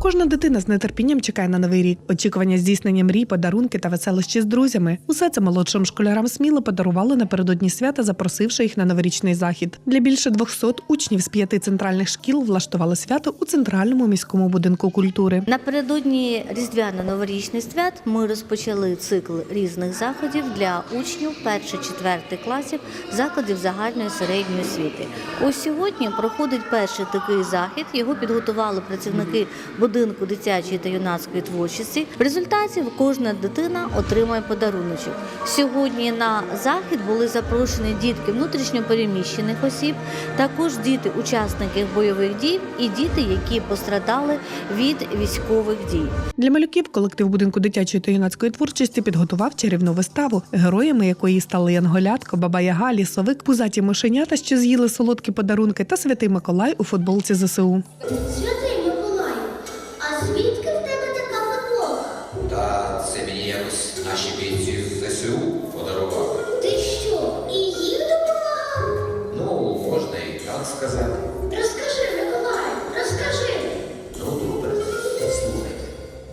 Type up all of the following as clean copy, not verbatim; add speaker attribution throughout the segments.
Speaker 1: Кожна дитина з нетерпінням чекає на новий рік. Очікування здійснення мрій, подарунки та веселощі з друзями. Усе це молодшим школярам Сміли подарували напередодні свята, запросивши їх на новорічний захід. Для більше 200 учнів з 5 центральних шкіл влаштували свято у Центральному міському будинку культури.
Speaker 2: Напередодні різдвяно-новорічних свят ми розпочали цикл різних заходів для учнів 1-4 класів закладів загальної середньої освіти. Ось сьогодні проходить перший такий захід. Його підготували працівники будинку дитячої та юнацької творчості. В результаті кожна дитина отримає подаруночок. Сьогодні на захід були запрошені дітки внутрішньо переміщених осіб, також діти учасників бойових дій і діти, які пострадали від військових дій.
Speaker 1: Для малюків колектив будинку дитячої та юнацької творчості підготував чарівну виставу, героями якої стали Янголятко, Баба-Яга, Лісовик, пузаті мишенята, що з'їли солодкі подарунки, та Святий Миколай у футболці ЗСУ.
Speaker 3: Святий Миколаю, а звідки в тебе така футболка?
Speaker 4: Та це мені якось наші бійці з ЗСУ подарували.
Speaker 3: Ти що, і їм допомагав?
Speaker 4: Ну, можна і так сказати.
Speaker 3: Розкажи, Миколаю, розкажи.
Speaker 4: Ну, добре, слухайте.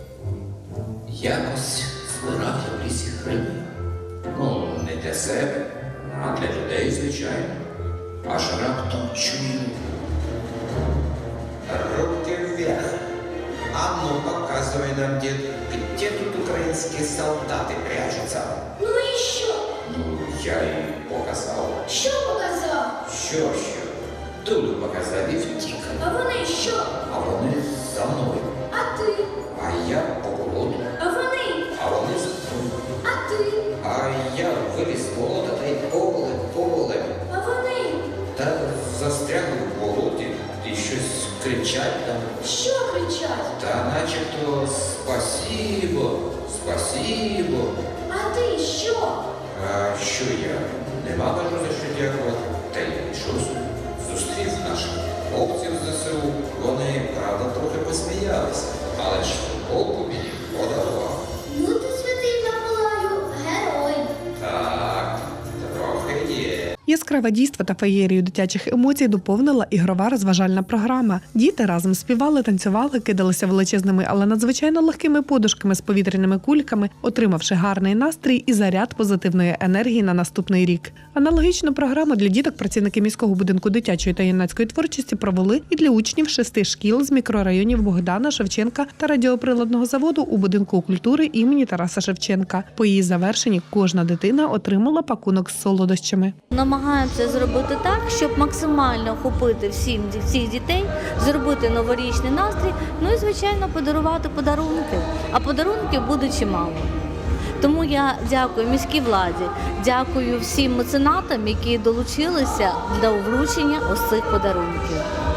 Speaker 4: Якось збирав я в лісі гриби. Ну, не для себе, а для людей, звичайно. Аж раптом чую. Руки вверх. А ну, показывай нам, дед, где тут украинские солдаты прячутся?
Speaker 3: Ну і що?
Speaker 4: Ну, я їй показав.
Speaker 3: Що показав?
Speaker 4: Що? Дулю показав і втік.
Speaker 3: А вони що?
Speaker 4: А вони за мною.
Speaker 3: А ти?
Speaker 4: А я по болоту.
Speaker 3: А вони?
Speaker 4: А вони за мною.
Speaker 3: А ти?
Speaker 4: А я виліз з болота та й поволем.
Speaker 3: А вони?
Speaker 4: Та застрягли в болоті і щось кричать там.
Speaker 3: Що кричать?
Speaker 4: Та начебто спасибо, спасибо.
Speaker 3: А ти що?
Speaker 4: А що я? Нема бажу за що дякувати. Та й пішов собі. Зустрів наших хлопців з ЗСУ. Вони, правда, трохи посміялися, але ж футболку мені подарував.
Speaker 3: Ну ти, Святий Миколаю, герой.
Speaker 4: Так, трохи є.
Speaker 1: Яскраве дійство та феєрію дитячих емоцій доповнила ігрова розважальна програма. Діти разом співали, танцювали, кидалися величезними, але надзвичайно легкими подушками з повітряними кульками, отримавши гарний настрій і заряд позитивної енергії на наступний рік. Аналогічну програму для діток працівники міського будинку дитячої та юнацької творчості провели і для учнів 6 шкіл з мікрорайонів Богдана, Шевченка та радіоприладного заводу у будинку культури імені Тараса Шевченка. По її завершенні кожна дитина отримала пакунок з солодощами.
Speaker 2: Намагаємося зробити так, щоб максимально охопити всіх дітей, зробити новорічний настрій, ну і, звичайно, подарувати подарунки. А подарунків буде чимало. Тому я дякую міській владі, дякую всім меценатам, які долучилися до вручення ось цих подарунків.